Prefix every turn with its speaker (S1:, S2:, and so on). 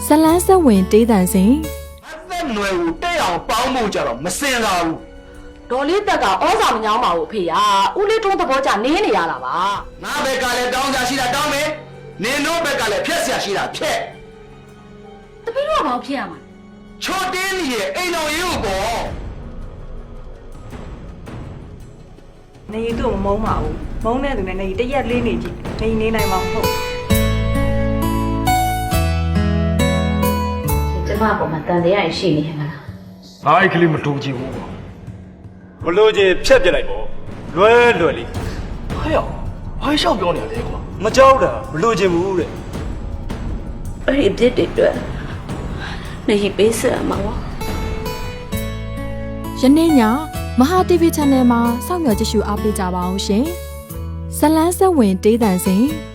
S1: လန်းဆက်ဝင်တေးတန်စဉ်
S2: အသက်နွယ်ကိုတဲ့အောင်ပေါင်းဖို့ကြတော့မစင်လာဘူး
S3: ဒေါ်လေးတက်ကဩဇာမညောင်းပါဘူးဖေရဦးလေးထုံးသဘောကျနင်းနေရတာပါ
S2: ငါဘက်ကလည်းတောင်းကြရှိတာတောင်းမယ်နင်တို့ဘက်ကလည်းဖြက်ဆရာရှိတာဖြက်
S3: တပည့်တို့ကဘာဖြစ်ရမှာ
S2: ချော်တင်းကြီးရဲ့အိမ်တော်ရေးကိုပေါ့
S4: နေရီတို့မမုန်းပါဘူးမုန်းတဲ့သူနဲ့နေရီတရက်လေးနေကြည့်နေရီနေနိုင်မှာမဟုတ်
S3: ကျမပေါ်မှာတန်တရားရှိနေမှာလား
S5: ငါအဲ့ကလေးမတူကြည့်ဘူး
S6: ဘလို့ချင်းဖြတ်ပြလိုက်ပေါ့လွယ်လွယ်လေး
S5: ဟဲ့ရောက်ဘာရှောက်ပြောနေရလဲကွာ
S6: မကြောက်တာဘလို့ချင်းဘူးတဲ့
S7: အဲ့ဒီပြစ်တွေအတွက်နေပေးစရာမှာပါ
S1: ယနေ့ညမဟာ TV Channel မှာစောင့်မျှော်ကြည့်ရှုအားပေးကြပါအောင်ရှင်ဇလန်းဆက်ဝင်တေးတန်စဉ်